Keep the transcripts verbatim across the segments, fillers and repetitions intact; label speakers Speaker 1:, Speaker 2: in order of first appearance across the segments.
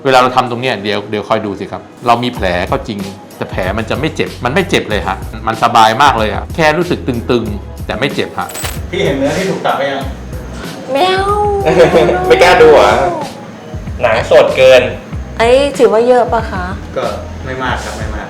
Speaker 1: เวลาเราทำตรงเนี้ยเดี๋ยวเดี๋ยวคอยดูสิครับเรามีแผลก็จริงแต่แผลมันจะไม่เจ็บมันไม่เจ็บเลยฮะมันสบายมากเลยฮะแค่รู้สึกตึงๆแต่ไม่เจ็บฮะ
Speaker 2: พี่เห็นเนื้อที่ถูกตัดไปยัง
Speaker 3: แมว
Speaker 4: ไม่กล้าดูอ่ะหนังสดเกิน
Speaker 3: ไอ้ถือว่าเยอะปะคะ
Speaker 2: ก็ไม่มากครับไม่มาก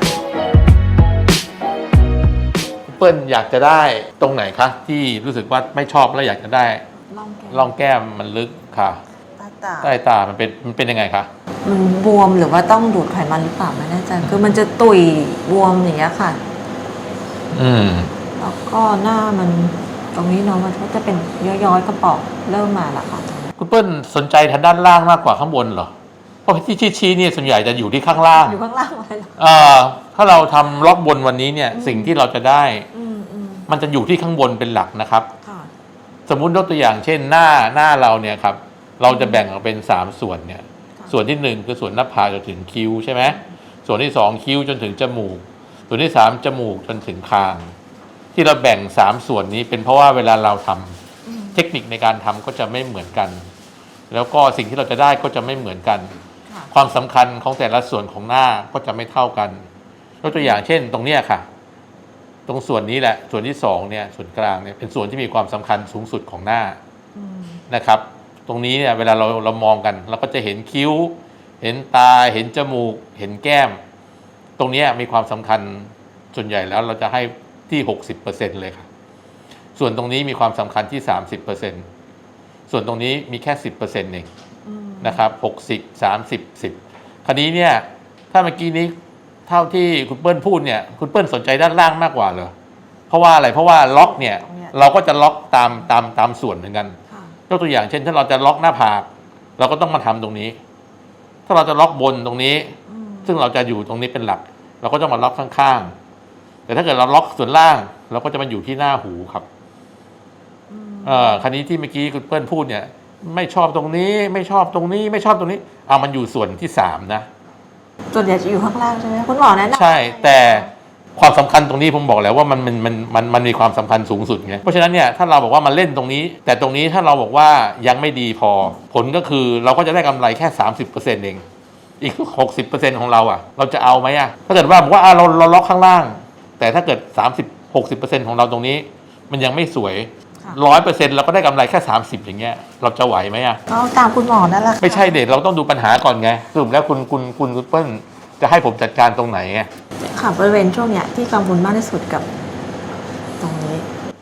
Speaker 1: เปิ้ลอยากจะได้ตรงไหนคะที่รู้สึกว่าไม่ชอบแล้วอยากจะได้ร่องแก้มมันลึกค่ะใต้ตามันเป็นมันเป็นยังไงคะ
Speaker 3: มันบวมหรือว่าต้องดูดไขมันหรือเปล่าไม่แน่ใจคือมันจะตุ่ยบวมอย่างเงี้ยค่ะ
Speaker 1: อืม
Speaker 3: แล้วก็หน้ามันตรงนี้เนาะมันก็จะเป็นย้อยๆกระป๋องเริ่มมาละค่ะ
Speaker 1: คุณเปิ้ลสนใจทางด้านล่างมากกว่าข้างบนเหรอเพราะที่ชี้ๆเนี่ยส่วนใหญ่จะอยู่ที่ข้างล่าง
Speaker 3: อยู่ข้างล่างอะไรหรอ
Speaker 1: เอ่อถ้าเราทำล็อกบนวันนี้เนี่ยสิ่งที่เราจะได้มันจะอยู่ที่ข้างบนเป็นหลักนะครับสมมุติยกตัวอย่างเช่นหน้าหน้าเราเนี่ยครับเราจะแบ่งออกเป็นสามส่วนเนี่ยส่วนที่หนึ่งคือส่วนหน้าผากจนถึงคิ้วใช่ไหมส่วนที่สองคิ้วจนถึงจมูกส่วนที่สามจมูกจนถึงคางที่เราแบ่งสามส่วนนี้เป็นเพราะว่าเวลาเราทำเทคนิคในการทำก็จะไม่เหมือนกันแล้วก็สิ่งที่เราจะได้ก็จะไม่เหมือนกันความสำคัญของแต่ละส่วนของหน้าก็จะไม่เท่ากันยกตัวอย่างเช่นตรงเนี้ยค่ะตรงส่วนนี้แหละส่วนที่สองเนี่ยส่วนกลางเนี่ยเป็นส่วนที่มีความสำคัญสูงสุดของหน้านะครับตรงนี้เนี่ยเวลาเราเรามองกันเราก็จะเห็นคิ้วเห็นตาเห็นจมูกเห็นแก้มตรงนี้มีความสำคัญส่วนใหญ่แล้วเราจะให้ที่ หกสิบเปอร์เซ็นต์ เลยค่ะส่วนตรงนี้มีความสำคัญที่ สามสิบเปอร์เซ็นต์ ส่วนตรงนี้มีแค่ สิบเปอร์เซ็นต์ เองนะครับหกสิบ สามสิบ สิบคราวนี้เนี่ยถ้าเมื่อกี้นี้เท่าที่คุณเปิ้ลพูดเนี่ยคุณเปิ้ลสนใจด้านล่างมากกว่าเหรอเพราะว่าอะไรเพราะว่าล็อกเนี่ยเราก็จะล็อกตามตามตามส่วนเหมือนกันยกตัวอย่างเช่นถ้าเราจะล็อกหน้าผากเราก็ต้องมาทำตรงนี้ถ้าเราจะล็อกบนตรงนี้ซึ่งเราจะอยู่ตรงนี้เป็นหลักเราก็ต้องมาล็อกข้างๆแต่ถ้าเกิดเราล็อกส่วนล่างเราก็จะมาอยู่ที่หน้าหูครับเอ่อคราวนี้ที่เมื่อกี้คุณเปิ้ลพูดเนี่ยไม่ชอบตรงนี้ไม่ชอบตรงนี้ไม่ชอบตรงนี้เอามันอยู่ส่วนที่สามนะ
Speaker 3: ส่วนใหญ่จะอยู่ข้างล่างใช่ไหมคุณหมอแนะนำ
Speaker 1: ใช่แต่ความสำคัญตรงนี้ผมบอกแล้วว่ามันมันมันมันมันมีความสำคัญสูงสุดไงเพราะฉะนั้นเนี่ยถ้าเราบอกว่ามันเล่นตรงนี้แต่ตรงนี้ถ้าเราบอกว่ายังไม่ดีพอผลก็คือเราก็จะได้กำไรแค่ สามสิบเปอร์เซ็นต์ เองอีก หกสิบเปอร์เซ็นต์ ของเราอ่ะเราจะเอาไหมอ่ะถ้าเกิดว่าบอกว่าเราเราล็อกข้างล่างแต่ถ้าเกิด สามสิบ หกสิบเปอร์เซ็นต์ ของเราตรงนี้มันยังไม่สวย ร้อยเปอร์เซ็นต์ เราก็ได้กำไรแค่สามสิบอย่างเงี้ยเราจะไหวไหมอ่ะ
Speaker 3: เอาตามคุณหมอนั่นแหละ
Speaker 1: ไม่ใช่เด็กเราต้องดูปัญหาก่อนไงสรุปแล้วคุณคุณคุณคุณเปิ้ลจะให้ผมจัดการตรงไหนไง
Speaker 3: ค่ะบริเวณช่วงเนี้ยที่กังวลมากที่สุดกับตรงนี้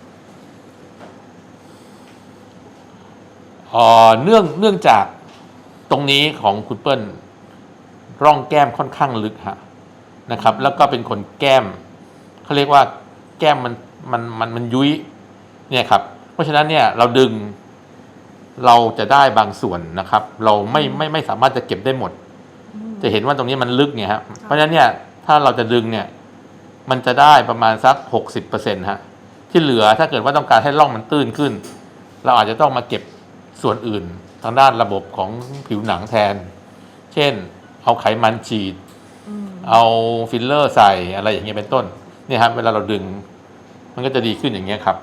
Speaker 1: อ๋อเนื่องเนื่องจากตรงนี้ของคุณเปิ้ลร่องแก้มค่อนข้างลึกฮะนะครับแล้วก็เป็นคนแก้มเขาเรียกว่าแก้มมันมันมันมันยุ้ยเนี่ยครับเพราะฉะนั้นเนี่ยเราดึงเราจะได้บางส่วนนะครับเราไม่ไม่ไม่สามารถจะเก็บได้หมดจะเห็นว่าตรงนี้มันลึกเนี่ยครับเพราะฉะนั้นเนี่ยถ้าเราจะดึงเนี่ยมันจะได้ประมาณสัก หกสิบเปอร์เซ็นต์ ฮะที่เหลือถ้าเกิดว่าต้องการให้ร่องมันตื้นขึ้นเราอาจจะต้องมาเก็บส่วนอื่นทางด้านระบบของผิวหนังแทนเช่นเอาไขมันฉีดเอาฟิลเลอร์ใส่อะไรอย่างเงี้ยเป็นต้นเนี่ยครับเวลาเราดึงมันก็จะดีขึ้นอย่างเงี้ยครับ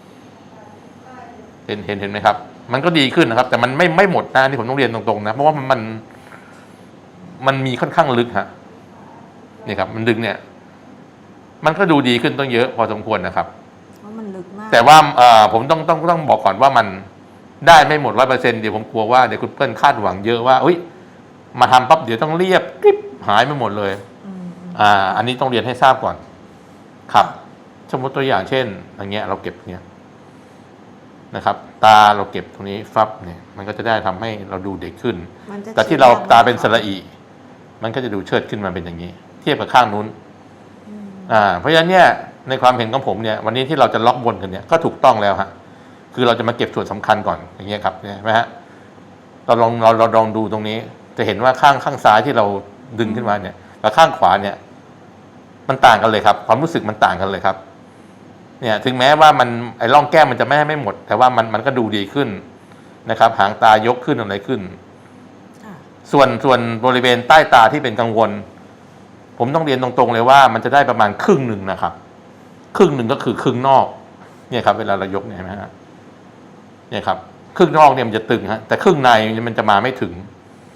Speaker 1: เห็นเห็นเห็นไหมครับมันก็ดีขึ้นนะครับแต่มันไม่ไม่หมดนะที่ผมต้องเรียนตรงๆนะเพราะว่ามันมันมันมีค่อนข้างลึกฮะนี่ครับมันดึงเนี่ยมันก็ดูดีขึ้นต้องเยอะพอสมควรนะครับ
Speaker 3: มันลึกมาก
Speaker 1: แต่ว่าเอ่อผมต้องต้องต้องบอกก่อนว่ามันได้ไม่หมดร้อยเปอร์เซ็นต์เดี๋ยวผมกลัวว่าเดี๋ยวคุณเปิ้ลคาดหวังเยอะว่าอุ้ยมาทำปั๊บเดี๋ยวต้องเรียบกริบหายไปหมดเลยอ่าอันนี้ต้องเรียนให้ทราบก่อนครับสมมติตัวอย่างเช่นอย่างเงี้ยเราเก็บเนี้ยนะครับตาเราเก็บตรงนี้ฟับเนี่ยมันก็จะได้ทำให้เราดูเด็กขึ้นแต่ที่เราตาเป็นสระอีมันก็จะดูเชิดขึ้นมาเป็นอย่างนี้เทียบกับข้างนู้นอ่าเพราะฉะนั้นเนี่ยในความเห็นของผมเนี่ยวันนี้ที่เราจะล็อกบนกันเนี่ยก็ถูกต้องแล้วฮะคือเราจะมาเก็บส่วนสำคัญก่อนอย่างเงี้ยครับเนี่ยไหมฮะเราลองเราเราลองดูตรงนี้จะเห็นว่าข้างข้างซ้ายที่เราดึงขึ้นมาเนี่ยกับข้างขวาเนี่ยมันต่างกันเลยครับความรู้สึกมันต่างกันเลยครับเนี่ยถึงแม้ว่ามันไอ้ร่องแก้มมันจะไม่ให้ไม่หมดแต่ว่ามันมันก็ดูดีขึ้นนะครับหางตายกขึ้นอะไรขึ้นส่วนส่วนบริเวณใต้ตาที่เป็นกังวลผมต้องเรียนตรงๆเลยว่ามันจะได้ประมาณครึ่งหนึ่งนะครับครึ่งหนึ่งก็คือครึ่งนอกเนี่ยครับเวลาเรายกเนี่ยนะฮะเนี่ยครับครึ่งนอกเนี่ยมันจะตึงฮะแต่ครึ่งในมันจะมาไม่ถึง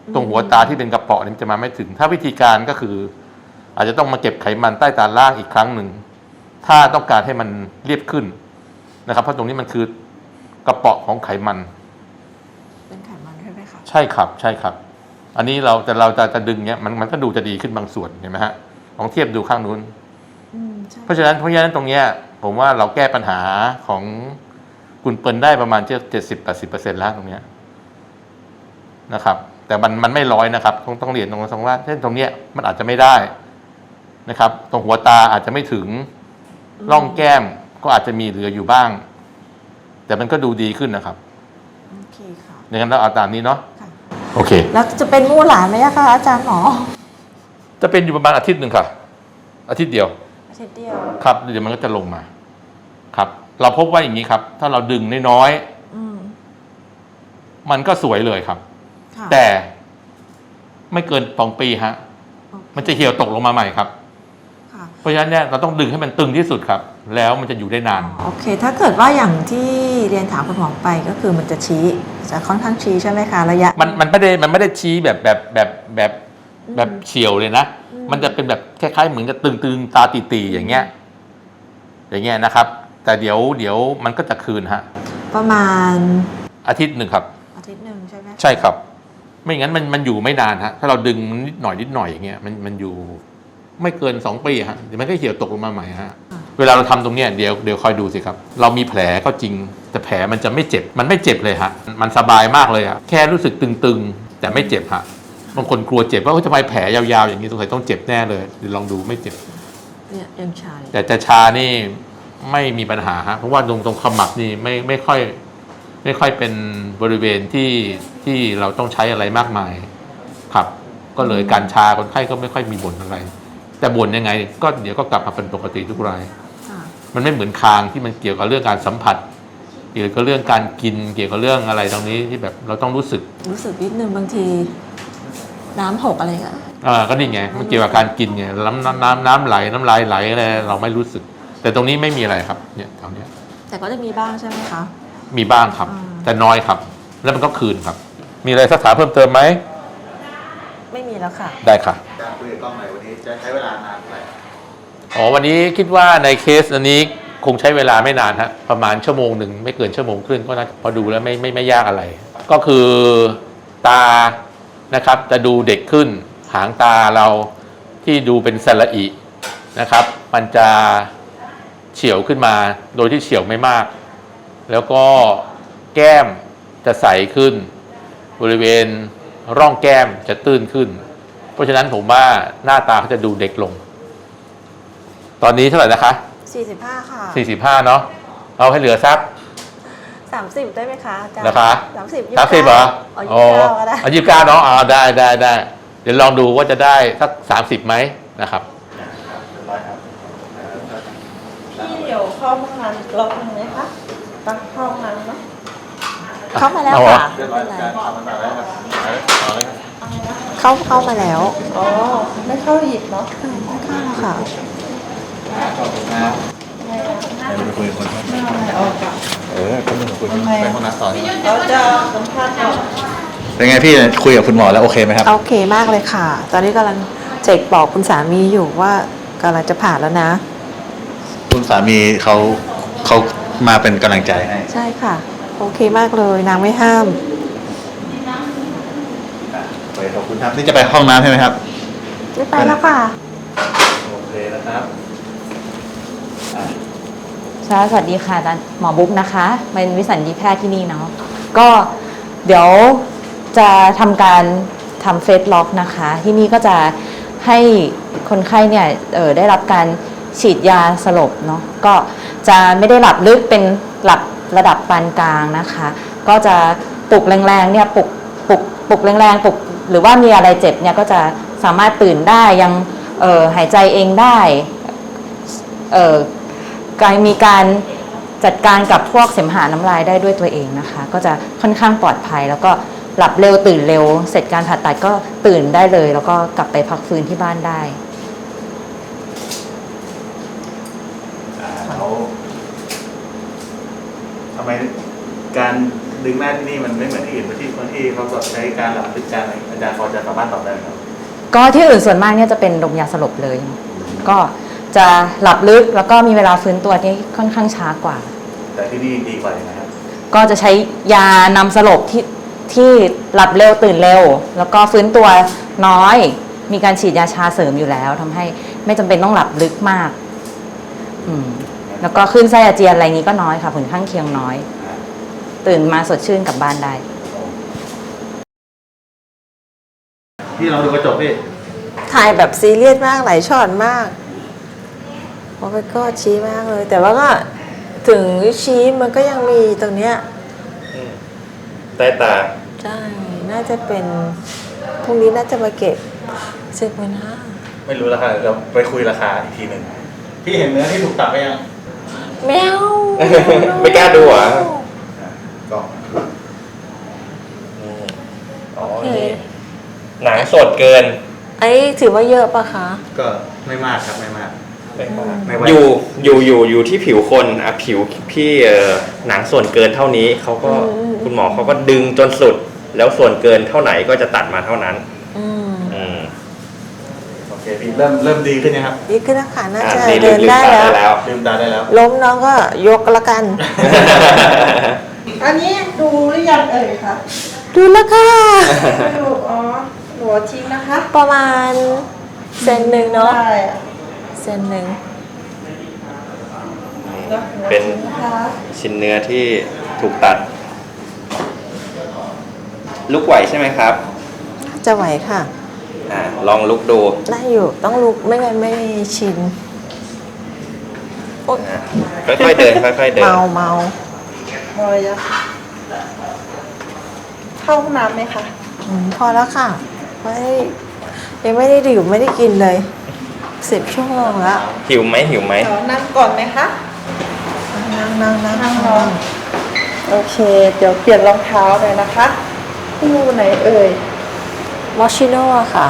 Speaker 1: ตรงหัวตาที่เป็นกระเปาะนี่จะมาไม่ถึง ถ้าวิธีการก็คือ อาจจะต้องมาเก็บไขมันใต้ตาล่างอีกครั้งหนึ่งถ้าต้องการให้มันเรียบขึ้นนะครับเพราะตรงนี้มันคือกระเปาะของไขมัน
Speaker 3: เป็นไขมันใช่ไหมคะ
Speaker 1: ใช่ครับใช่ครับ อันนี้เราแต่เราจะจะดึงเนี้ยมันมันก็ดูจะดีขึ้นบางส่วนเห็นไหมฮะลองเทียบดูข้างนู้น
Speaker 3: อืมใช่
Speaker 1: เพราะฉะนั้นเพราะฉะนั้นตรงเนี้ยผมว่าเราแก้ปัญหาของคุณเปิลได้ประมาณเจ็ดสิบแปดสิบเปอร์เซ็นต์แล้วตรงเนี้ยนะครับ แต่มันมันไม่ร้อยนะครับต้องต้องเรียนตรงตรงว่าเช่นตรงเนี้ยมันอาจจะไม่ได้นะครับ ตรงหัวตาอาจจะไม่ถึงร่องแก้มก็อาจจะมีเหลืออยู่บ้าง แต่มันก็ดูดีขึ้นนะครับ
Speaker 3: โอเคค่ะ
Speaker 1: อย่างนั้นเราเอาตามนี้เนาะ
Speaker 3: ค่ะ
Speaker 1: โอเค
Speaker 3: แล้วจะเป็นมู่หลานไหมอะคะอาจารย์หมอ
Speaker 1: จะเป็นอยู่ประมาณอาทิตย์หนึ่งค่ะ อาทิตย์เดียว
Speaker 3: อาทิตย์เดียว
Speaker 1: ครับเดี๋ยวมันก็จะลงมาครับ เราพบว่าอย่างนี้ครับ ถ้าเราดึงน้อย
Speaker 3: อืม
Speaker 1: ๆมันก็สวยเลยครับ
Speaker 3: ค่ะ
Speaker 1: แต่ไม่เกินสองปีฮะ
Speaker 3: โอเค
Speaker 1: มันจะเหี่ยวตกลงมาใหม่ครับ
Speaker 3: ค่ะ
Speaker 1: เพราะฉะนั้นเนี่ยเราต้องดึงให้มันตึงที่สุดครับ แล้วมันจะอยู่ได้นาน
Speaker 3: โอเค ถ้าเกิดว่าอย่างที่เรียนถามคุณหมอไปก็คือมันจะชี้จะค่อนข้างชี้ใช่ไหมคะระยะ
Speaker 1: มันมันไม่ได้มันไม่ได้ชี้แบบแบบแบบแบบแบบเฉียวเลยนะ
Speaker 3: อืม
Speaker 1: มันจะเป็นแบบคล้ายๆเหมือนจะตึงๆตาตีๆอย่างเงี้ย อย่างเงี้ยนะครับ แต่เดี๋ยวเดี๋ยวมันก็จะคืนฮะ
Speaker 3: ประมาณ
Speaker 1: อาทิตย์หนึ่งครับ
Speaker 3: อาทิตย์หนึ่งใช่ไหมคะ
Speaker 1: ใช่ครับ ไม่งั้นมันมันอยู่ไม่นานฮะ ถ้าเราดึงนิดหน่อยนิดหน่อยอย่างเงี้ยมันมันอยู่ไม่เกินสองปีฮะเดี๋ยวมันก็เหี่ยวตกลงมาใหม่ฮะ เวลาเราทำตรงเนี้ยเดี๋ยวเดี๋ยวคอยดูสิครับ เรามีแผลก็จริง แต่แผลมันจะไม่เจ็บ มันไม่เจ็บเลยฮะ มันสบายมากเลยฮะแค่รู้สึกตึงๆ แต่ไม่เจ็บฮะบางคนกลัวเจ็บว่าเฮ้ยทำไมแผลยาวๆอย่างนี้สงสัยต้องเจ็บแน่เลยเดี๋ยวลองดูไม่เจ็บ
Speaker 3: เนี่ยยังชาอยู่
Speaker 1: แต่จะชานี่ไม่มีปัญหาฮะเพราะว่าตรงตรงขมับนี่ไม่ไม่ค่อย ไม่ค่อยเป็นบริเวณที่ที่เราต้องใช้อะไรมากมายครับ ก็เลยการชาคนไข้ก็ไม่ค่อยมีบ่นอะไร แต่บ่นยังไง ก็เดี๋ยวก็กลับมาเป็นปกติทุกราย
Speaker 3: ค่ะ
Speaker 1: มันไม่เหมือนคางที่มันเกี่ยวกับเรื่องการสัมผัส เกี่ยวกับเรื่องการกินเกี่ยวกับเรื่องอะไรตรงนี้ที่แบบเราต้องรู้สึก
Speaker 3: รู้สึกนิดนึงบางที น้ำหกอะไรเงี้ย
Speaker 1: อ่าก็นี่ไงมันเกี่ยวกับการกินไงน้ำน้ำน้ำน้ำไหลน้ำลายไหลอะไรเราไม่รู้สึก แต่ตรงนี้ไม่มีอะไรครับเนี่ยตรงเนี้ย
Speaker 3: แต่ก็จะมีบ้างใช่ไหมคะ
Speaker 1: มีบ้างครับ
Speaker 3: อ่า
Speaker 1: แต่น้อยครับ แล้วมันก็คืนครับ มีอะไรสักถามเพิ่มเติมไหม
Speaker 3: ไม่มีแล้วค่ะ
Speaker 1: ได้ค่ะ
Speaker 2: การคุยกับกล้องหน่อยวันนี้จะใช้เวลานานเท่าไหร่
Speaker 1: อ๋อวันนี้คิดว่าในเคสอันนี้คงใช้เวลาไม่นานฮะประมาณชั่วโมงหนึ่งไม่เกินชั่วโมงครึ่งก็น่าจะพอดูแล้วไม่ไม่ไม่ยากอะไร ก็คือตานะครับจะดูเด็กขึ้น หางตาเราที่ดูเป็นสระอินะครับ มันจะเฉียวขึ้นมาโดยที่เฉียวไม่มาก แล้วก็แก้มจะใสขึ้น บริเวณร่องแก้มจะตื้นขึ้น เพราะฉะนั้นผมว่าหน้าตาเขาจะดูเด็กลง ตอนนี้เท่าไหร่นะคะ
Speaker 3: สี่สิบห้าค่ะ
Speaker 1: สี่สิบห้าเนาะเอาให้เหลือสัก
Speaker 3: สามสิบได้ไหมคะอาจารย์
Speaker 1: นะคะ
Speaker 3: สามสิบ
Speaker 1: สามสิบเหรอ
Speaker 3: อ๋อยี่สิบเก้าก็ได้
Speaker 1: เอายี่สิบเก้าเนาะเอาได้ได้ได้เดี๋ยวลองดูว่าจะได้สักสามสิบไหมนะครับ
Speaker 5: พี่เดี๋ยวเข้าห้องน้ำรอบนึงไหมคะตั้งเข้าห้องน้ำเนาะ
Speaker 3: เข้ามาแล้ว
Speaker 1: เอาเหรอ
Speaker 3: ค่ะ
Speaker 2: เรียบร้อยการทำมันมาแล้วครับเอาเลยครับ
Speaker 3: เข้าเข้ามาแล้ว
Speaker 5: อ๋อ ไม่เข้าอีกเนาะ
Speaker 3: เข้าแล้วค่ะ
Speaker 2: ขอบคุณนะไปคุยกับคน
Speaker 5: ไม่เอาอะไรออกอะ
Speaker 2: เออก็มึงคุย
Speaker 5: ทำไม
Speaker 2: ไป
Speaker 5: อะ
Speaker 2: ห้องน้ำต่อ
Speaker 5: เราจะสัมภาษณ์ก่อน
Speaker 2: เป็นไงพี่คุยกับคุณหมอแล้วโอเคไหมครับ
Speaker 3: โอเคมากเลยค่ะ ตอนนี้กำลังเจกบอกคุณสามีอยู่ว่ากำลังจะผ่านแล้วนะ
Speaker 2: คุณสามีเขาเขามาเป็นกำลังใจให้
Speaker 3: ใช่ค่ะ โอเคมากเลยนางไม่ห้าม
Speaker 2: ไปขอบคุณครับนี่จะไปห้องน้ำใช่ไหมครับ
Speaker 3: ไม่ไปแล้วค่ะ
Speaker 2: โอเคนะครับ
Speaker 6: สวัสดีค่ะอาจารย์หมอบุ๊กนะคะเป็นวิสัญญีแพทย์ที่นี่เนาะก็เดี๋ยวจะทำการทำเฟสล็อกนะคะ ที่นี่ก็จะให้คนไข้เนี่ยเอ่อได้รับการฉีดยาสลบเนาะก็จะไม่ได้หลับลึกเป็นหลับระดับปานกลางนะคะ ก็จะปลุกแรงๆเนี่ยปลุกปลุกปลุกแรงๆปลุกหรือว่ามีอะไรเจ็บเนี่ยก็จะสามารถตื่นได้ยังเอ่อหายใจเองได้เอ่อ การมีการจัดการกับพวกเสมหะน้ำลายได้ด้วยตัวเองนะคะ ก็จะค่อนข้างปลอดภัย แล้วก็หลับเร็วตื่นเร็ว เสร็จการผ่าตัดก็ตื่นได้เลย แล้วก็กลับไปพักฟื้นที่บ้านได้
Speaker 2: เขาทำไมการดึงหน้าที่นี่มันไม่เหมือนที่อื่นที่คนที่เขาแบบใช้การหลับลึกการอะไรอาจารย์พอจะสามารถตอบได้ไหมครับ
Speaker 6: ก็ที่อื่นส่วนมากเนี่ยจะเป็นดมยาสลบเลย ก็จะหลับลึกแล้วก็มีเวลาฟื้นตัวที่ค่อนข้างช้ากว่า
Speaker 2: แต่ที่นี่ดีกว่ายังไงครับ
Speaker 6: ก็จะใช้ยานำสลบที่ที่หลับเร็วตื่นเร็ว แล้วก็ฟื้นตัวน้อย มีการฉีดยาชาเสริมอยู่แล้วทำให้ไม่จำเป็นต้องหลับลึกมากอืมแล้วก็ขึ้นไส้อาเจียนอะไรนี้ก็น้อยค่ะผลข้างเคียงน้อย ตื่นมาสดชื่นกลับบ้านได้
Speaker 2: พี่ลองดูกระจกดิ
Speaker 5: ถ่ายแบบซีเรียสมากหลายช็อตมากโอ้ยก็ชี้มากเลย แต่ว่าก็ถึงชี้มันก็ยังมีตรงเนี้ย
Speaker 4: อืมใต้ตา
Speaker 5: ใช่ น่าจะเป็นพรุ่งนี้น่าจะมาเก็บสิบหมื่นห้า
Speaker 2: ไม่รู้ราคาเราไปคุยราคาอีกทีหนึ่งพี่เห็นเนื้อที่ถูกตัดไปยัง
Speaker 5: แมว
Speaker 4: ไม่กล้าดูเหรอ
Speaker 2: ก็
Speaker 4: นี่อ๋อนี่หนังสดเกิน
Speaker 5: ไอ้ถือว่าเยอะปะคะ
Speaker 2: ก็ไม่มากครับไม่มาก
Speaker 4: ไม่มาก
Speaker 2: ไม่ไหว
Speaker 4: อยู่อยู่อยู่อยู่ที่ผิวคนอ่ะผิวพี่เอ่อหนังส่วนเกินเท่านี้เขาก็
Speaker 5: อืม
Speaker 4: คุณหมอเขาก็ดึงจนสุด แล้วส่วนเกินเท่าไหนก็จะตัดมาเท่านั้น
Speaker 5: อืม
Speaker 4: อืม
Speaker 2: โอเคพี่เริ่มเริ่มดีขึ้นยังครับ
Speaker 5: ดีขึ้นแล้วค่ะน่า
Speaker 4: อ่ะ
Speaker 5: จะ
Speaker 4: นี่ลื
Speaker 5: เดิ
Speaker 4: ม
Speaker 5: น
Speaker 4: ลืม
Speaker 5: ได้
Speaker 4: ตา
Speaker 5: แล้ว
Speaker 4: ได้แล้ว
Speaker 2: ลืมตาได้แล้ว
Speaker 5: ล้มน้องก็ยกละกัน
Speaker 7: อันนี้ดูหรือยังเอ่ยคะ
Speaker 5: ดูแล้วค่ะ
Speaker 7: ไม่ดูอ๋อหัวทิ้งนะคะ
Speaker 5: ประมาณเซนหนึ่งเนาะ
Speaker 7: ได้อะ
Speaker 5: เซนหนึ่ง
Speaker 7: แล้วหัว
Speaker 4: เป็น
Speaker 7: ทิ้งนะคะ
Speaker 4: ชิ้นเนื้อที่ถูกตัด ลุกไหวใช่ไหมครับ
Speaker 5: จะไหวค่ะ
Speaker 4: อ่าลองลุกดู
Speaker 5: ได้อยู่ต้องลุกไม่งั้นไม่ชินโอ๊ย
Speaker 4: นะค่อยๆเดินค่อยๆเดิน
Speaker 5: เมาเมา
Speaker 7: พอยังเข้าห้องน้ำไหมคะ
Speaker 5: อืมพอแล้วค่ะไม่ยังไม่ได้ดื่มไม่ได้กินเลยสิบชั่วโมงแล้ว
Speaker 4: หิวไหมหิวไหม
Speaker 7: เดี๋ยวนั่งก่อนไหมคะ
Speaker 5: นั่งนั่งนั่ง
Speaker 7: นั่งรอ โอเค เดี๋ยวเปลี่ยนรองเท้าเลยนะคะคู่ไหนเอ่ย
Speaker 5: มอชิโน่ค่ะ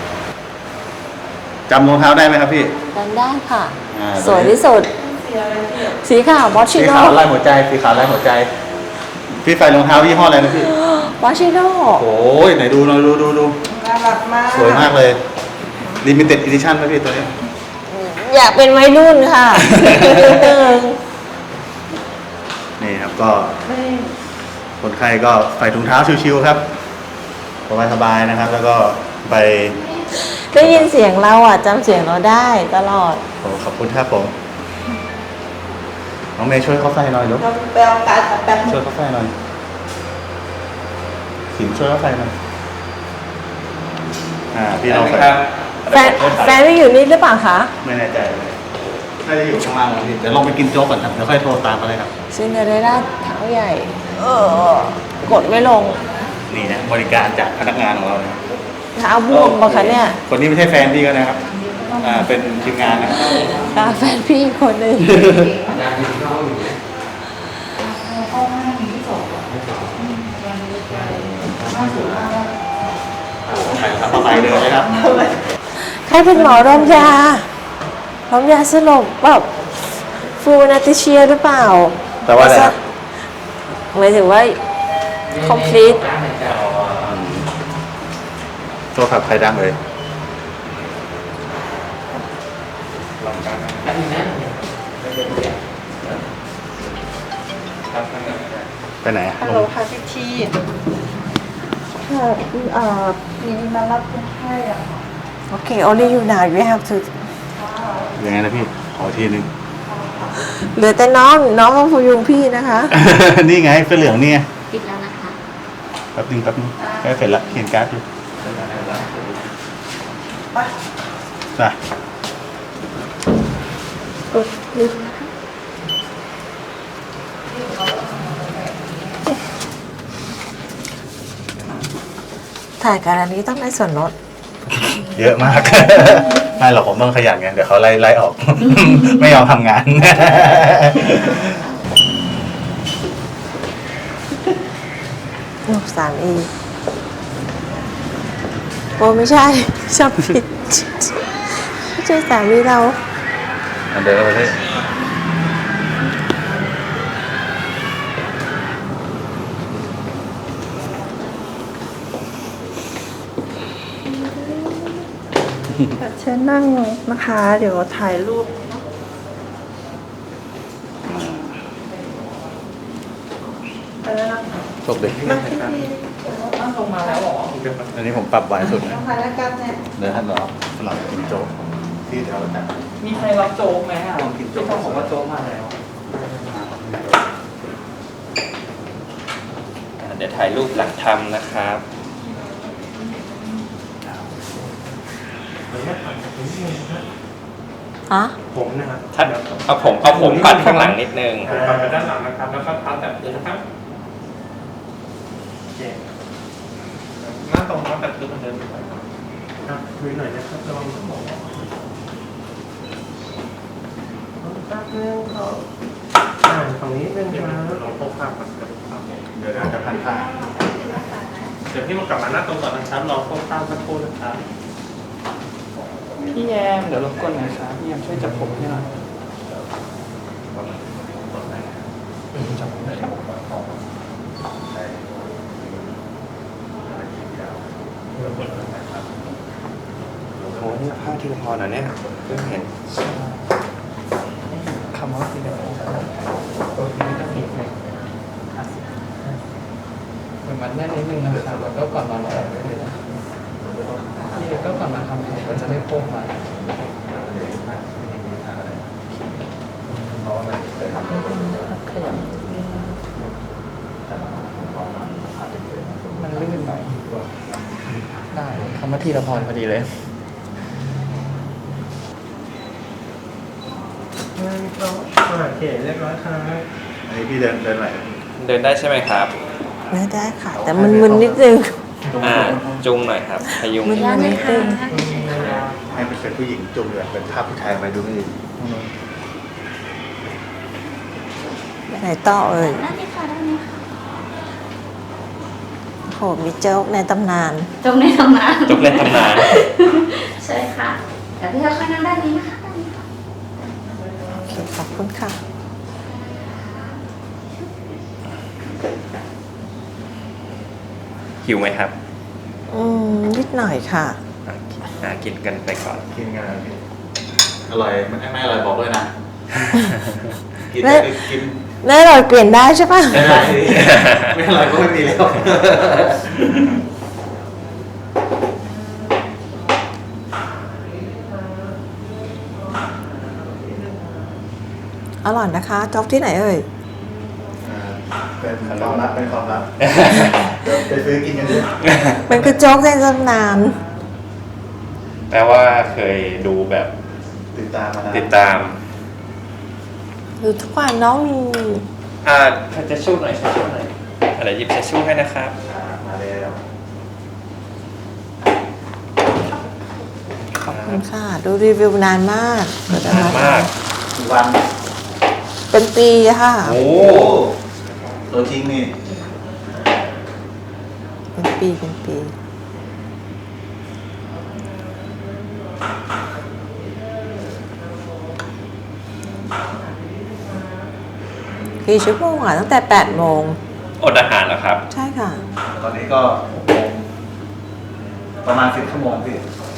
Speaker 2: จำรองเท้าได้ไหมครับพี่
Speaker 5: ดันได้ค่ะ
Speaker 2: อ่า
Speaker 5: สวยที่สุด สีขาวมอชิ
Speaker 2: สี
Speaker 5: โน่
Speaker 2: ขาวลายหัวใจสีขาวลายหัวใจ พี่ใส่รองเท้ายี่ห้ออะไรนะพี่
Speaker 5: มอชิโน่
Speaker 2: โอ้ยไหนดูหน่อยดูดูดู
Speaker 7: น่ารักมาก
Speaker 2: สวยมากเลย limited edition ไหมพี่ตัวนี้
Speaker 5: อยากเป็นวัยรุ่นค่ะนิดนึง
Speaker 2: นี่ครับก็คนไข้ก็ใส่ถุงเท้าชิวๆครับสบายๆนะครับ แล้วก็ไป
Speaker 5: ได้ยินเสียงเราอ่ะจำเสียงเราได้ตลอด
Speaker 2: โอ้ขอบคุณครับผมน้องเมย์ช่วยเขาใส่หน่อยลูก
Speaker 7: เราไปเอาการแป๊บ
Speaker 2: ช่วยเขาใส่หน่อยสินช่วยเขาใส่หน่อยอ่าพี่เราใส่
Speaker 5: แฟนแฟนไม่อยู่นี่หรือเปล่าคะ
Speaker 2: ไม่แน่ใจเลยน่าจะอยู่ข้างล่างนะพี่เดี๋ยวลองไปกินโจ๊กก่อนครับเดี๋ยวค่อยโทรตามมาเลยครับ
Speaker 5: ซินเดอเรลล่าเท้าใหญ่ เออกดไม่ลง
Speaker 2: นี่นะบริการจากพนักงานของเราเนี่ย
Speaker 5: เท้าบวมปะคะเนี่ย
Speaker 2: คนนี้ไม่ใช่แฟนพี่ก็นะครับอ่าเป็นทีมงานนะครับ
Speaker 5: ค่ะแฟนพี่อีกคนหนึ่ง
Speaker 2: ใส่ทำอะไรเดินเลยครับ
Speaker 5: ใครเป็นหมอรมยา รมยาสลบแบบฟูนาติเชียหรือเปล่า
Speaker 2: แต่ว่าอะไรครับ
Speaker 5: หมายถึงว่า complete
Speaker 2: โทรศัพท์ใครดังเลยไปไหนอะ
Speaker 7: ฮัลโหลค่ะพี่ทีค่ะเอ่อมีมารับคนไข้อ่ะ
Speaker 5: โอเค only you now you have to
Speaker 2: ยังไงนะพี่ ขอทีนึง
Speaker 5: เหลือแต่น้องน้องก็พยุงพี่นะคะ
Speaker 2: นี่ไงเสื้อเหลืองนี่ไงปิดแล้วนะคะแป๊บนึงแป๊บนึงใกล้เสร็จละเขียนการ์ดอยู่จ้ะ
Speaker 5: ถ่ายการอันนี้ต้องได้ส่วนลด
Speaker 2: เยอะมาก ไม่หรอกผมต้องขยันไงเดี๋ยวเขาไล่ไล่ออก ไม่ยอมทำงาน
Speaker 5: ลูกสามอีโอ้ไม่ใช่ ชอบผิดไม่ใช่สามีเรา
Speaker 2: อันเดิมไปที่
Speaker 7: เชิญนั่งนะคะ เดี๋ยวถ่ายรูป ไปแล้วนะ
Speaker 2: โชคดี
Speaker 7: มาที่นี่
Speaker 2: อันนี้ผมปรับไว้สุดนะ
Speaker 7: ถ่ายแล้วกันเนี่ย
Speaker 2: เดี๋ยวท่านรอสลับกินโจ๊กที่แถวนั้น
Speaker 8: มีใครรับโจ๊กไหมอ่ะ
Speaker 2: ลองกินโจ๊
Speaker 8: พี่
Speaker 2: ก
Speaker 8: ต้องบอกว่าโจ๊กมาแล้ว
Speaker 4: อ่าเดี๋ยวถ่ายรูปหลังทำนะครับ
Speaker 3: ฮะ
Speaker 1: ผมนะครับ
Speaker 4: ถ้าเอาผมเอาผมปัดข้างหลังนิดนึง
Speaker 1: กลับไปด้านหลังนะครับ แล้วก็พับแบบนี้นะครับโอเคหน้าตรงพับแบบนี้เหมือนเดิมครับคุยหน่อยนะครับระวังสมองแป๊บนึงเขาอ่านฝั่งนี้เป็นมาเราพบภาพก่อนครับ
Speaker 2: เดี๋ยวจะพันผ้า
Speaker 1: เดี๋ยวพี่มากลับมาหน้าตรงก่อนนะครับรอพบภาพสักครู่นะครับ
Speaker 8: พี่แยมเดี๋ยวรบกวนหน่อยครับพี่แยมช่วยจับผมให้หน่อยจับผมได้ครับ
Speaker 4: โอ้นี่ผ้าทีละพรเหรอเนี่ยเพิ่งเห็น
Speaker 8: คำว่าสีแดงตัวนี้จะสีแดงเหมือนมันแน่นนิดนึงนะครับแล้วก็ก่อนนอนเราออกได้เลยนะพี่ก็ก่อนมาทำผมก็จะได้โค้งมาขยับมันลื่นหน่อยได้คำว่าทีละพรพอดีเลย
Speaker 1: โอเคเรียบร้อยครับ
Speaker 2: อันนี้พี่เดินเดินไหน
Speaker 4: เดินได้ใช่ไหมครับ
Speaker 5: ไม่ได้ค่ะ แต่มันมึนนิดนึง
Speaker 4: อ่าจุงหน่อยครับพยุง
Speaker 5: มึนนิดนึง
Speaker 2: ให้เป็นผู้หญิงจุ่มเลยเป็นภาพผู้ชายไปดูไม่ดี
Speaker 5: ไปไหนต่อเอ่ยโหมีโจ๊กในตำนาน
Speaker 9: จงในตำนาน
Speaker 4: จุกเล่นตำนาน
Speaker 9: ใช่ค่ะเดี๋ยวพี่จะค่อยนั่งด้านนี้นะคะด้านนี้ค่ะ
Speaker 5: ขอบคุณค่ะ
Speaker 4: หิวไหมครับ
Speaker 5: อืมนิดหน่อยค่ะ
Speaker 4: อ่ะอ่ากินกันไปก่อน
Speaker 2: กินกันนะพี่อร่อยมันไม่อร่อยบอกด้วยนะ กิน
Speaker 5: ไม่
Speaker 2: ได้กิน
Speaker 5: แน่นอนเปลี่ยนได้ใช่ปะ
Speaker 2: ไม่ได้ไม่อร่อยก็ไม่มีแล้ว
Speaker 5: อร่อยนะคะโจ๊กที่ไหนเอ่ย
Speaker 2: เป็นความลับเป็นความลับเดี๋ยวไปซื้อกินกันด้วย
Speaker 5: มันคือโจ๊กในตำนาน
Speaker 4: แปลว่าเคยดูแบบ
Speaker 2: ติดตามมานะ
Speaker 4: ติดตาม
Speaker 5: ดูทุกวันน้องมี
Speaker 4: อ่าถ้าจะชู้หน่อยชู้หน่อยอะไรหยิบจะชู้ให้นะครับ
Speaker 2: อ่ามาแล้ว
Speaker 5: ขอบคุณค่ะ ดูรีวิวนานมากเดี๋ยวจะ
Speaker 4: นานมาก
Speaker 2: กี่วัน
Speaker 5: เป็นปีค่ะ
Speaker 4: โอ้
Speaker 2: ตัวจริงนี่
Speaker 5: เป็นปีเป็นปีกี่ชั่วโมงอ่ะตั้งแต่แปดโมง
Speaker 4: อดอาหารแล้วครับ
Speaker 5: ใช่ค่ะ
Speaker 2: ตอนนี้ก็หกโมงประมาณสิบชั่วโมงพี่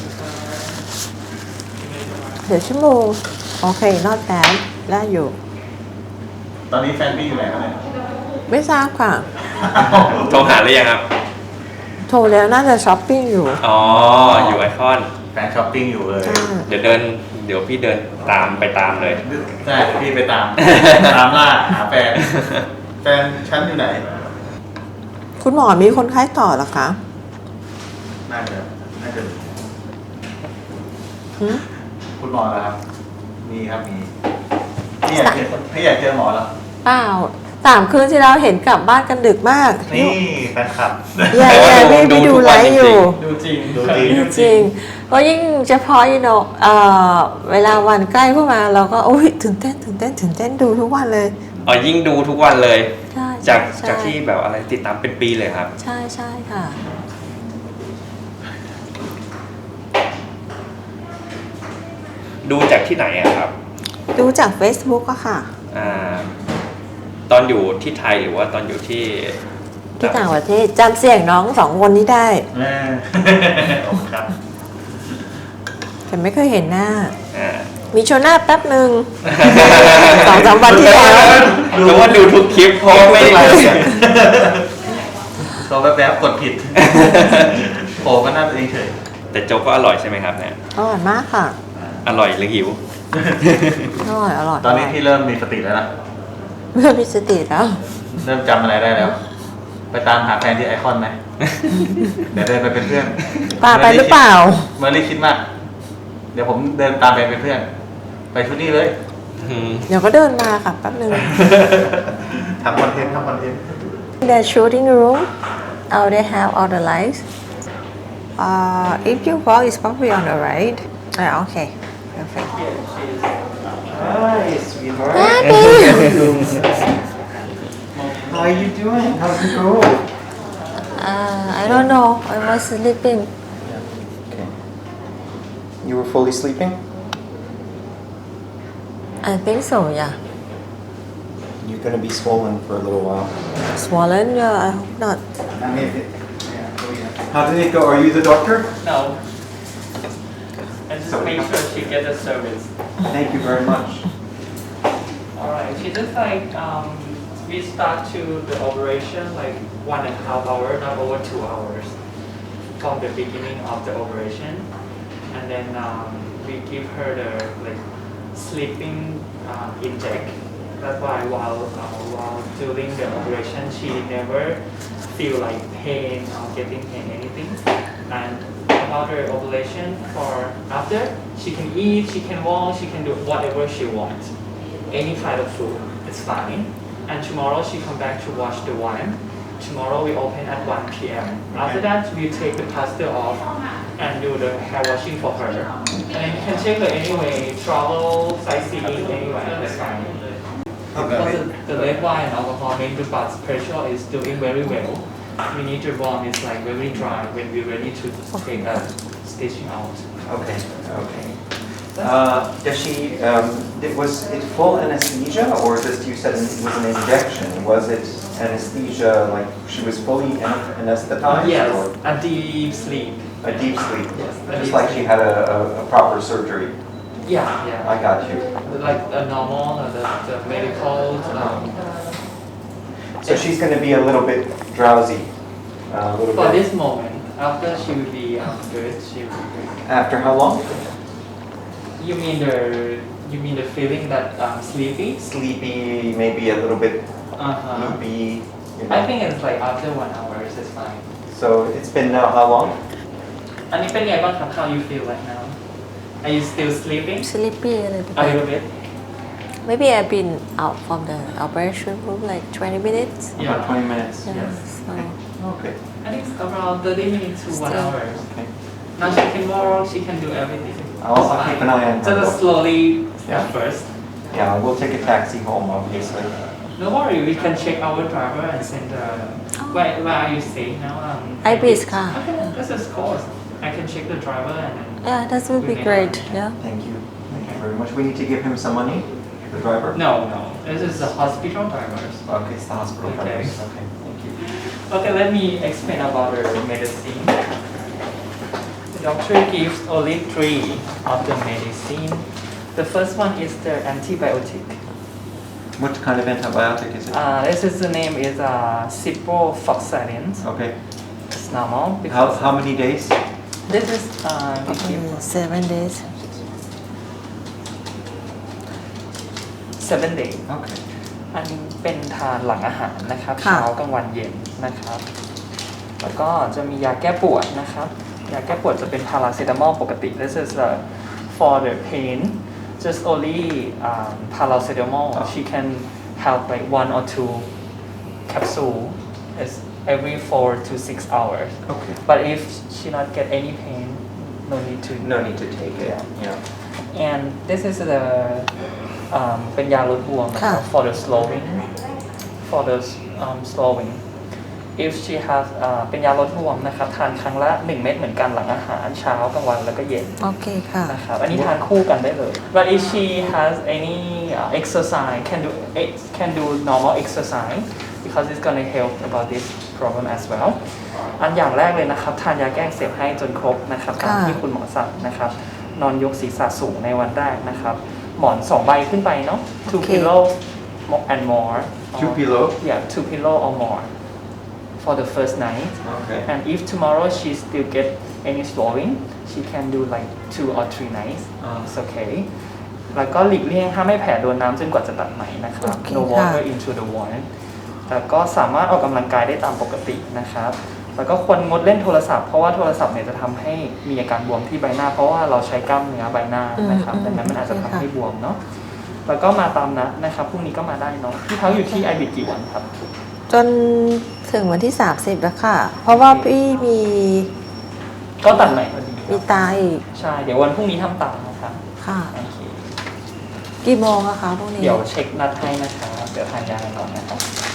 Speaker 5: เดี๋ยวชั่วโมง โอเคนอดแ a ดได้อยู่
Speaker 2: ตอนนี้แฟนพี่อยู่ไหนครับเนี่ย
Speaker 5: ไม่ทราบค่ะ
Speaker 4: โทรหาหรือยังครับ
Speaker 5: โทรแล้วน่าจะช้อปปิ้งอยู่
Speaker 4: อ๋อ อยู่ไอคอน
Speaker 2: แฟนช้อปปิ้งอยู่เลย
Speaker 5: ใช่
Speaker 4: เดี๋ยวเดิน เดี๋ยวพี่เดินตามไปตามเลย
Speaker 2: ใช่พี่ไปตาม ตามล่าหาแฟน แฟนฉันอยู่ไหน
Speaker 5: คุณหมอมีคนไข้ต่อเหรอคะ
Speaker 2: น่าจะน่าจะ
Speaker 5: หืม
Speaker 2: คุณหมอเหรอครับ มีครับมีพี่อยากเจอพี่อยากเจอหมอเหรอ
Speaker 5: เปล่าสามคืนที่เราเห็นกลับบ้านกันดึกมาก
Speaker 2: นี่แฟนคลับ
Speaker 5: ยายยายไม่ไปดูไลฟ์อยู่
Speaker 8: ดูจริง
Speaker 2: ดูจริง
Speaker 5: จริงเพราะยิ่งเฉพาะอีโนเอ่อเวลาวันใกล้เข้ามาเราก็โอ้ยตื่นเต้นตื่นเต้นตื่นเต้นดูทุกวันเลย
Speaker 4: อ๋อ ยิ่งดูทุกวันเลย
Speaker 5: ใช่
Speaker 4: จาก
Speaker 5: ใช่
Speaker 4: จากที่แบบอะไรติดตามเป็นปีเลยครับ
Speaker 5: ใช่ใช่ค่ะ
Speaker 4: ดูจากที่ไหนอะครับ
Speaker 5: ดูจาก Facebook อะค่ะ
Speaker 4: อ่า ตอนอยู่ที่ไทยหรือว่าตอนอยู่ที่
Speaker 5: ที่ต่างประเทศจำเสียงน้องสองคนนี้ได้
Speaker 2: แม่ขอบคุณครับ
Speaker 5: แต่ไม่เคยเห็นหน้า
Speaker 4: อ่า
Speaker 5: มีโชว์หน้าแป๊บหนึ่ง สองสามวันที่แล้ว
Speaker 4: รู้ว่าดูทุกคลิปเพราะว่าไม่ได้ดู
Speaker 2: ตัวแวบๆกดผิดโผล่ก็น่าจะเฉย
Speaker 4: แต่โจ๊กก็อร่อยใช่ไหมครับเนี่ย
Speaker 5: อร่อยมากค่ะ
Speaker 4: อร่อยหรือหิว
Speaker 5: อร่อยอร่อย
Speaker 2: ตอนนี้พี่เริ่มมีสติแล้วนะ
Speaker 5: เมื่อมีสติแล้ว
Speaker 2: เริ่มจำอะไรได้แล้ว ไปตามหาแฟนที่ไอคอนไหม เดี๋ยวเดินไปเป็นเพื่อน
Speaker 5: ป้าไปหรือเปล่า
Speaker 2: เมอร์ลี่คิดมาก เดี๋ยวผมเดินตามไปเป็นเพื่อน ไปชุดนี้เลย
Speaker 5: เดี๋ยวก็เดินมาค่ะแป๊บหนึ่ง
Speaker 2: ทำคอนเทนต์ทำคอนเทนต์
Speaker 5: The shooting room, oh, they have all the lights. Uh, if you walk, it's probably on the right. Ah, okay, perfect.
Speaker 10: Hi, sweetheart. How are you doing? How's it go?
Speaker 5: Uh, I don't know. I was sleeping.
Speaker 10: Okay. You were fully sleeping?
Speaker 5: I think so. Yeah.
Speaker 10: You're gonna be swollen for a little while.
Speaker 5: Swollen? Yeah, I hope not.
Speaker 10: How did it go? Are you the doctor?
Speaker 8: No. And just make sure she gets the service.
Speaker 10: Thank you very much.
Speaker 8: Alright, she just like um, we start to the operation like one and a half hour, not over two hours from the beginning of the operation, and then um, we give her the like sleeping uh, inject. That's why while uh, while during the operation she never feel like pain or getting pain anything. And about her operation for after, she can eat, she can walk, she can do whatever she wants. Any kind of food, it's fine. And tomorrow she come back to watch the one. Tomorrow we open at one p m After that, we take the plaster off and do the hair washing for her. And then you can take her anyway, travel, sightseeing, anywhere, that's fine. Because the, the red wine and alcohol make the blood pressure is doing very well. We need the bone is like very dry when we're ready to take a stitching out.
Speaker 10: Okay. Okay. Uh, does she? Um, it, was it full anesthesia, or just you said it was an injection? Was it anesthesia like she was fully an- anesthetized?
Speaker 8: Yes,
Speaker 10: Or
Speaker 8: a deep sleep.
Speaker 10: a deep sleep.
Speaker 8: Yes, a
Speaker 10: Just
Speaker 8: deep
Speaker 10: like she
Speaker 8: sleep.
Speaker 10: had a, a, a proper surgery.
Speaker 8: Yeah, yeah.
Speaker 10: I got you.
Speaker 8: Like a normal, uh, the, the medical. Um,
Speaker 10: So she's going to be a little bit drowsy. Uh, a little
Speaker 8: for
Speaker 10: bit.
Speaker 8: this moment, after she will be um, good, she will be good.
Speaker 10: After how long?
Speaker 8: You mean the you mean the feeling that um, sleepy?
Speaker 10: Sleepy, maybe a little bit
Speaker 8: Uh huh.
Speaker 10: loopy. You know.
Speaker 8: I think it's like after one hour, it's fine.
Speaker 10: So it's been now how long?
Speaker 8: อันนี้เป็นไงบ้างครับ How you feel right now? Are you still sleeping?
Speaker 5: Sleepy a little
Speaker 8: A little
Speaker 5: bit.
Speaker 8: bit.
Speaker 5: Maybe I've been out from the operation room like twenty minutes.
Speaker 8: Yeah.
Speaker 10: About twenty minutes.
Speaker 5: Yeah,
Speaker 8: Yes.
Speaker 5: so
Speaker 10: Okay.
Speaker 8: I think it's around thirty minutes to one
Speaker 5: Still.
Speaker 8: hour.
Speaker 10: Okay.
Speaker 8: Now she can walk, she can do everything.
Speaker 10: I'll- I'll
Speaker 8: It's
Speaker 10: keep
Speaker 8: fine.
Speaker 10: an eye on her.
Speaker 8: Just slowly
Speaker 10: Yeah.
Speaker 8: at first.
Speaker 10: Yeah, we'll take a taxi home, obviously.
Speaker 8: No worry, we can check our driver and send the. Where, where are you staying now? Um,
Speaker 5: Ibis car.
Speaker 8: Okay, this is course. I can check the driver and then.
Speaker 5: yeah, that would be great. Yeah.
Speaker 10: Thank you. Thank you very much. We need to give him some money, the driver?
Speaker 8: No, no. This is the hospital drivers.
Speaker 10: Okay, it's the hospital
Speaker 8: Okay.
Speaker 10: drivers. Okay, thank you.
Speaker 8: Okay, let me explain about the medicine. The doctor gives only three of the medicine. The first one is the antibiotic.
Speaker 10: What kind of antibiotic is it?
Speaker 8: Uh, this is the name is uh, ciprofloxacin.
Speaker 10: Okay.
Speaker 8: It's normal
Speaker 10: How,
Speaker 8: because
Speaker 10: how many days?
Speaker 8: this is uh, we give
Speaker 5: Mm, seven days.
Speaker 8: seven days.
Speaker 10: Okay.
Speaker 8: อันนี้เป็นทานหลังอาหารนะครับ
Speaker 5: ค่ะ
Speaker 8: เช้ากลางวันเย็นนะครับ แล้วก็จะมียาแก้ปวดนะครับ ยาแก้ปวดจะเป็นพาราเซตามอลปกติ This is uh, for the pain just only um, paracetamol she can have like one or two capsule it's every four to six hours
Speaker 10: Okay.
Speaker 8: but if she not get any pain no need to
Speaker 10: No need to take it. Yeah.
Speaker 8: and this is the um, เป็นยาลดบวมนะครับ
Speaker 5: ค่ะ
Speaker 8: for the slowing for the um, slowing if she has อ่าเป็นยาลดบวมนะครับทานครั้งละหนึ่งเม็ดเหมือนกันหลังอาหารเช้ากลางวันแล้วก็เย็น
Speaker 5: โอเคค่ะ
Speaker 8: นะครับอันนี้ทานคู่กันได้เลย but if she has any uh, exercise can do can do normal exercise because it's gonna help about this problem as well อันอย่างแรกเลยนะครับทานยาแก้อักเสบให้จนครบนะครับตาม
Speaker 5: ค่ะ
Speaker 8: ที่คุณหมอสั่งนะครับนอนยกศีรษะสูงในวันแรกนะครับ หมอนสองใบขึ้นไปเนาะ two
Speaker 5: โอเค
Speaker 8: pillow and more
Speaker 10: Two
Speaker 8: or-
Speaker 10: pillow?
Speaker 8: yeah two pillow or more for the first night
Speaker 10: Okay.
Speaker 8: and if tomorrow she still get any swelling she can do like two or three nights it's okay แล้วก็หลีกเลี่ยงห้ามให้แผลโดนน้ำจนกว่าจะตัดไหมนะครับ
Speaker 5: โอเค
Speaker 8: no
Speaker 5: ค่ะ
Speaker 8: water into the wound แล้วก็สามารถออกกำลังกายได้ตามปกตินะครับ แล้วก็ควรงดเล่นโทรศัพท์เพราะว่าโทรศัพท์เนี่ยจะทำให้มีอาการบวมที่ใบหน้า เพราะว่าเราใช้กล้ามเนื้อใบหน้านะครับ
Speaker 5: อืม
Speaker 8: ดังนั้นมันอาจจะทำ
Speaker 5: โอเคค่ะ
Speaker 8: ให้บวมเนาะ แล้วก็มาตามนัดนะครับพรุ่งนี้ก็มาได้เนาะพี่เท้าอยู่ที่ไอบิดกี่วันครับ
Speaker 5: จนถึงวันที่สามสิบแล้วค่ะ เพราะว่าพี่มี
Speaker 8: ก็ตัดใหม่พอดีค
Speaker 5: มี
Speaker 8: รับ
Speaker 5: ตาอีก
Speaker 8: ใช่ เดี๋ยววันพรุ่งนี้ทำตามนะครับ
Speaker 5: ค่ะ
Speaker 8: โอเค
Speaker 5: กี่โมงอะคะพวกนี้
Speaker 8: เดี๋ยวเช็คนัดให้นะครับเดี๋ยวทานยากันก่อนนะครับ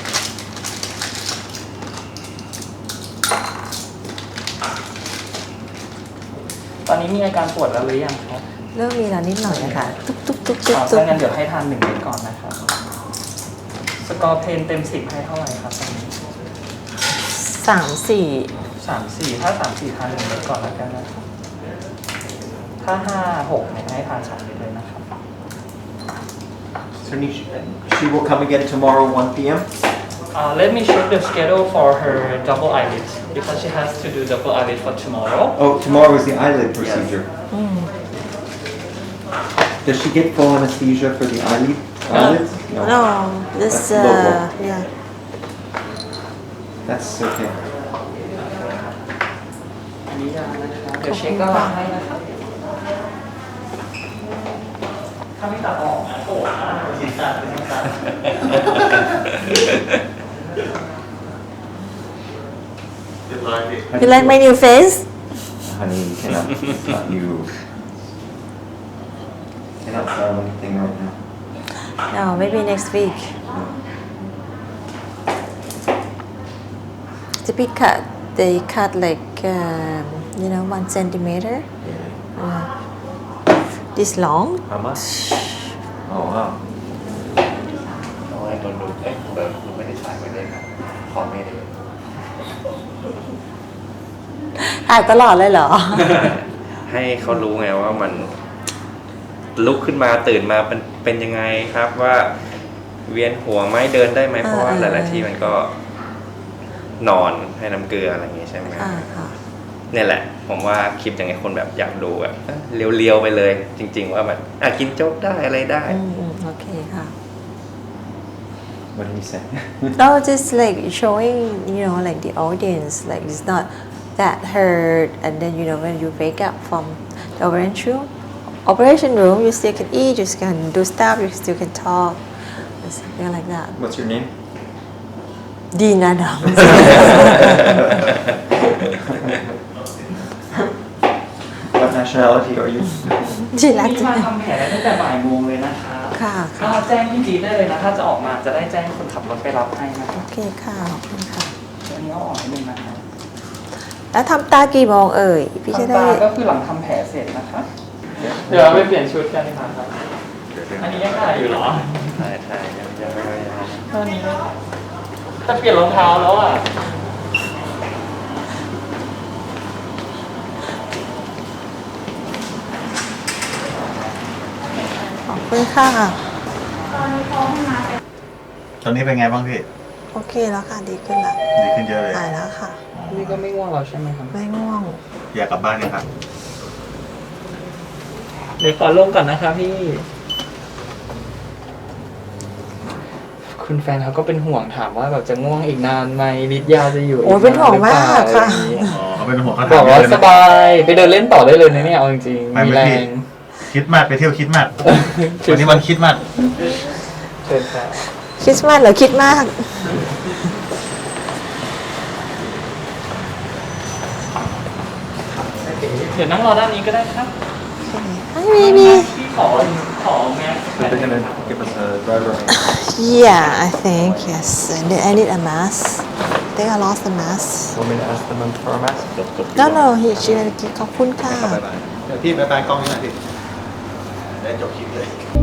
Speaker 8: ตอนนี้มีอาการปวดแล้วหรือยังครับ
Speaker 5: เริ่มมีแล้วนิดหน่อยนะคะตุ๊กตุ๊กตุ๊กตุ๊ก
Speaker 8: อ๋อ
Speaker 5: ตุ๊ก
Speaker 8: ถ้างั้นเดี๋ยวให้ทานหนึ่งเม็ดก่อนนะครับ สกอร์เพนเต็มสิบให้เท่าไหร่ครับตอนนี้
Speaker 5: สามสี่
Speaker 8: สามสี่ถ้าสามสี่ทานหนึ่งเม็ดก่อนแล้วกันนะครับ ถ้าห้าหกเนี่ยให้ทานสองเม็ดเลยนะครับ
Speaker 10: So Nish, she will come again tomorrow, one p m
Speaker 8: Uh, let me check the schedule for her double eyelid because she has to do double eyelid for tomorrow.
Speaker 10: Oh, tomorrow is the eyelid procedure. Does she get full anesthesia for the eyelid? Eyelids?
Speaker 5: no this
Speaker 10: That's local.
Speaker 5: uh yeah
Speaker 10: That's okay.
Speaker 8: อันนี้ยานะครับเดี๋ยวเช็คก็วางให้นะครับ ถ้าไม่ตัดออกนะโกรธนะศีรษะเป็นศีรษะ
Speaker 5: you like my new face
Speaker 10: Honey, you cannot, it's not you. Cannot sell anything right now.
Speaker 5: no maybe next week the big cut they cut like um, you know one centimeter uh, this long
Speaker 10: How much? Oh, wow.
Speaker 1: เอาให้คนดูเอ้ยเปิดคุณไม่ได้ถ่ายไว้เลยครับขอไม่ได้
Speaker 5: ถ่ายตลอดเลยเหรอ
Speaker 4: ให้เขารู้ไงว่ามันลุกขึ้นมาตื่นมาเป็นเป็นยังไงครับว่าเวียนหัวไหมเดินได้ไหมเพราะว่าหลาย ๆ ที่มันก็นอนให้น้ำเกลืออะไรอย่างงี้ใช่ไหม
Speaker 5: ค่ะค่ะ
Speaker 4: เนี่ยแหละ ผมว่าคลิปอย่างไงคนแบบอยากดูแบบเรียวๆไปเลย จริง ๆ ว่าแบบอ่ะกินโจ๊กได้อะไรได้
Speaker 5: อืมอืมโอเคค่ะ
Speaker 10: What did he say?
Speaker 5: no just like showing you know like the audience like it's not that hurt and then you know when you wake up from the operation room operation room you still can eat you still can do stuff you still can talk something like that
Speaker 10: What's your name?
Speaker 5: ดีนะด
Speaker 10: What nationality are you?
Speaker 5: ำที่รัก
Speaker 8: นี่
Speaker 5: จัง
Speaker 8: มาทำแผลได้ตั้งแต่บ่ายโมงเลยนะครับ
Speaker 5: ค่ะ
Speaker 8: ก็
Speaker 5: ค่ะ
Speaker 8: แจ้งพี่จีได้เลยนะ ถ้าจะออกมาจะได้แจ้งคนขับรถไปรับให้นะค
Speaker 5: โอ
Speaker 8: รับ
Speaker 5: เคค่ะขอบคุณค่ะ
Speaker 8: อันนี้เอาออกให้หนึ่งนะครับ
Speaker 5: แล้วทำตากี่โมงเอ่ย พี่จะ
Speaker 8: ทำ
Speaker 5: ได้
Speaker 8: ตาก็คือหลังทำแผลเสร็จนะครับ เดี๋ยวเราไปเปลี่ยนชุดกันดีกว่าครับ อันนี้ยังถ่ายอยู่เหรอ
Speaker 4: ใช่ใช่ยังยังไม่ยัง
Speaker 8: อันนี้ไม่ถ่ายแต่เปลี่ยนรองเท้าแล้วอ่ะ
Speaker 5: ขอบคุณค่ะ
Speaker 2: ตอนนี้เป็นไงบ้างพี่
Speaker 5: โอเคแล้วค่ะ ดีขึ้นแล้ว
Speaker 2: ดีขึ้นเยอะเลย
Speaker 5: หายแล้วค่ะ
Speaker 8: นี่ก็ไม่ง่วงเราใช่ไหมครับ
Speaker 5: ไม่ง่วง
Speaker 2: อยากกลับบ้านยังครับ
Speaker 8: เดี๋ยวขอลงก่อนนะครับพี่ คุณแฟนเขาก็เป็นห่วงถามว่าแบบจะง่วงอีกนานไหมฤทธิ์ยาจะอยู่
Speaker 5: โอ้ยเป็นห่วงมาก
Speaker 8: อีนนหรือเปล่
Speaker 5: ค่ะ
Speaker 8: อะไรอย่างงี้
Speaker 2: อ๋อเขาเป็นห่วงเขา
Speaker 8: บ
Speaker 2: ถา
Speaker 8: อ
Speaker 2: ม
Speaker 8: กว่า
Speaker 2: เลย
Speaker 8: ส
Speaker 2: นะ
Speaker 8: บายไปเดินเล่นต่อได้เลยนะเนี่ยเอาจริง
Speaker 2: ไป
Speaker 8: ๆมี
Speaker 2: ไหม
Speaker 8: แร
Speaker 2: พี่
Speaker 8: ง
Speaker 2: คิดมากไปเที่ยวคิดมากวันนี้วันคิดมาก
Speaker 8: เชิญครับ
Speaker 5: คริสต์มาสเหรอคิดมาก
Speaker 8: เดี๋ยวนั่งรอด้านนี้ก็ได้ครับ
Speaker 5: Hi baby
Speaker 8: พี่ขอขอแมส
Speaker 10: So they're gonna give us a driver.
Speaker 5: Yeah I think yes I need, I need a mask I think I lost the mask
Speaker 10: Want me to ask them for a mask?
Speaker 5: No no he she will ขอบคุณค่ะ
Speaker 2: บ๊ายบายเดี๋ยวพี่บ๊ายบายกล้องนี้หน่อยพี่ได้จบคลิปเลย